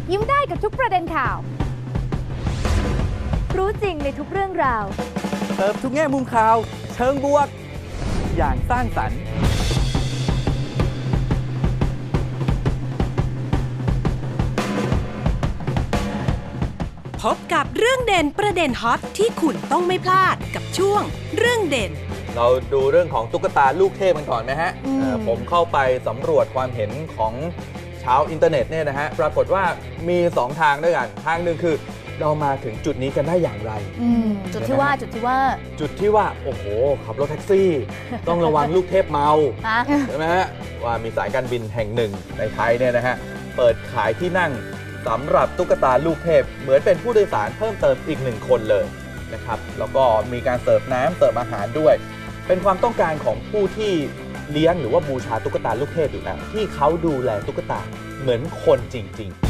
ยิ้มได้กับทุกประเด็นข่าวรู้จริงในทุกเรื่องราวเติมทุกแง่มุมข่าวเชิงบวก อย่างสร้างสรรค์พบกับเรื่องเด่นประเด็นฮอตที่คุณต้องไม่พลาดกับช่วงเรื่องเด่นเราดูเรื่องของตุ๊กตาลูกเทพกันก่อนไหมฮะผมเข้าไปสำรวจความเห็นของชาวอินเทอร์เน็ตเนี่ยนะฮะปรากฏว่ามี 2 ทางด้วยกันทางหนึ่งคือเรามาถึงจุดนี้กันได้อย่างไรจุดที่ว่าจุดที่ว่าโอ้โหขับรถแท็กซี่ ต้องระวังลูกเทพเมาใช่ไหมฮะว่ามีสายการบินแห่งหนึ่งในไทยเนี่ยนะฮะเปิดขายที่นั่งสำหรับตุ๊กตาลูกเทพเหมือนเป็นผู้โดยสารเพิ่มเติมอีก1 คนเลยนะครับแล้วก็มีการเสิร์ฟน้ำเสิร์ฟอาหารด้วยเป็นความต้องการของผู้ที่เลี้ยงหรือว่าบูชาตุ๊กตาลูกเทพอยู่แล้วที่เขาดูแลตุ๊กตาเหมือนคนจริง ๆ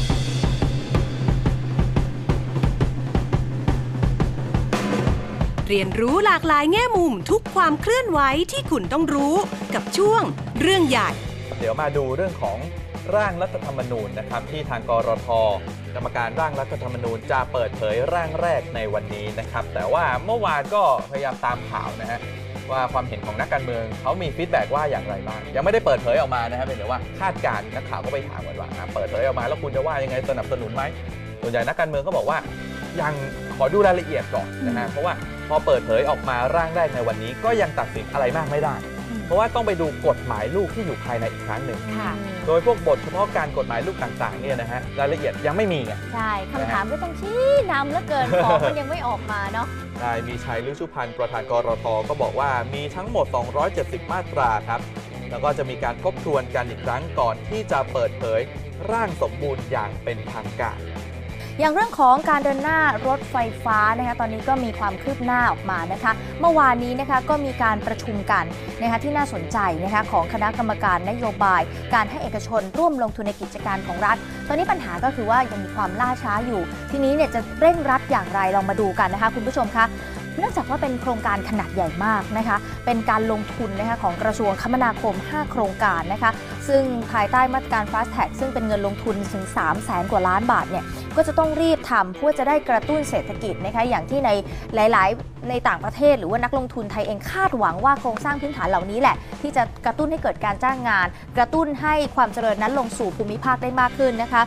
เรียนรู้หลากหลายแง่มุมทุกความเคลื่อนไหวที่คุณต้องรู้กับช่วงเรื่องใหญ่เดี๋ยวมาดูเรื่องของร่างรัฐธรรมนูญนะครับที่ทางกรท.กรรมการร่างรัฐธรรมนูญจะเปิดเผยร่างแรกในวันนี้นะครับแต่ว่าเมื่อวานก็พยายามตามข่าวนะฮะว่าความเห็นของนักการเมืองเขามีฟีดแบ็กว่าอย่างไรบ้างยังไม่ได้เปิดเผยออกมานะครับเป็นแต่ว่าคาดการณ์นักข่าวก็ไปถามกันว่าเปิดเผยออกมาแล้วคุณจะว่ายังไงสนับสนุนไหมส่วนใหญ่นักการเมืองก็บอกว่ายังขอดูรายละเอียดก่อนนะฮะเพราะว่าพอเปิดเผยออกมาร่างแรกในวันนี้ก็ยังตัดสินอะไรมากไม่ได้เพราะว่าต้องไปดูกฎหมายลูกที่อยู่ภายในอีกครั้งหนึ่งโดยพวกบทเฉพาะการกฎหมายลูกต่างๆเนี่ยนะฮะรายละเอียดยังไม่มีไงใช่คำถามก็ต้องชี้นำแล้วเกินของมันยังไม่ออกมาเนาะนายมีชัย ฤชุพันธ์ประธานกรท.ก็บอกว่ามีทั้งหมด270มาตราครับแล้วก็จะมีการทบทวนกันอีกครั้งก่อนที่จะเปิดเผยร่างสมบูรณ์อย่างเป็นทางการอย่างเรื่องของการเดินหน้ารถไฟฟ้านะคะตอนนี้ก็มีความคืบหน้าออกมานะคะเมื่อวานนี้นะคะก็มีการประชุมกันนะคะที่น่าสนใจนะคะของคณะกรรมการนโยบายการให้เอกชนร่วมลงทุนในกิจการของรัฐตอนนี้ปัญหาก็คือว่ายังมีความล่าช้าอยู่ทีนี้เนี่ยจะเร่งรัดอย่างไรลองมาดูกันนะคะคุณผู้ชมคะเนื่องจากว่าเป็นโครงการขนาดใหญ่มากนะคะเป็นการลงทุนนะคะของกระทรวงคมนาคม5โครงการนะคะซึ่งภายใต้มาตรการ Fast Track ซึ่งเป็นเงินลงทุนถึง 300,000 กว่าล้านบาทเนี่ยก็จะต้องรีบทำเพื่อจะได้กระตุ้นเศรษฐกิจนะคะอย่างที่ในหลายๆในต่างประเทศหรือว่านักลงทุนไทยเองคาดหวังว่าโครงสร้างพื้นฐานเหล่านี้แหละที่จะกระตุ้นให้เกิดการจ้างงานกระตุ้นให้ความเจริญนั้นลงสู่ภูมิภาคได้มากขึ้นนะคะ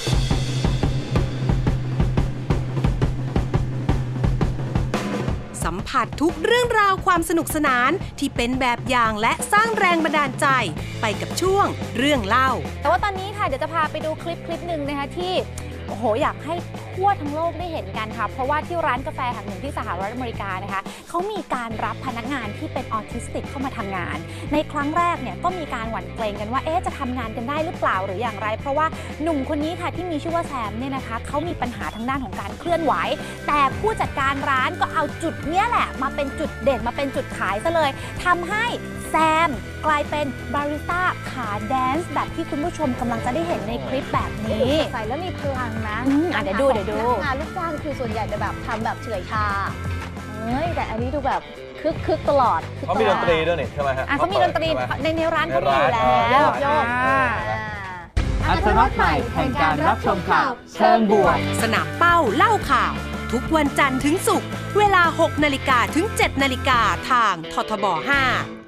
สัมผัสทุกเรื่องราวความสนุกสนานที่เป็นแบบอย่างและสร้างแรงบันดาลใจไปกับช่วงเรื่องเล่าแต่ว่าตอนนี้ค่ะเดี๋ยวจะพาไปดูคลิปหนึ่งนะคะที่โอ้โหอยากให้ทั่วทั้งโลกได้เห็นกันค่ะเพราะว่าที่ร้านกาแฟแห่งหนึ่งที่สหรัฐอเมริกานะคะเขามีการรับพนักงานที่เป็นออทิสติกเข้ามาทำงานในครั้งแรกเนี่ยก็มีการหวั่นเกรงกันว่าจะทำงานกันได้หรือเปล่าหรืออย่างไรเพราะว่าหนุ่มคนนี้ค่ะที่มีชื่อว่าแซมเนี่ยนะคะเขามีปัญหาทางด้านของการเคลื่อนไหวแต่ผู้จัดการร้านก็เอาจุดเนี้ยแหละมาเป็นจุดเด่นมาเป็นจุดขายซะเลยทำให้แซมกลายเป็นบาริสต้าขาแดนซ์แบบที่คุณผู้ชมกำลังจะได้เห็นในคลิปแบบนี้ใส่แล้วมีพลังนะเดี๋ยวดูงานลูกจ้างคือส่วนใหญ่จะแบบทำแบบเฉื่อยชาแต่อันนี้ดูแบบคึกตลอดเขามีดนตรีด้วยนี่ใช่ไหมฮะเขามีดนตรีในร้านเขามีอยู่แล้วโยกอัตรสใหม่แห่งการรับชมข่าวเชิงบวกสนามเป้าเล่าข่าวทุกวันจันทร์ถึงศุกร์เวลา 6 นาฬิกาถึง 7 นาฬิกาทางททบ 5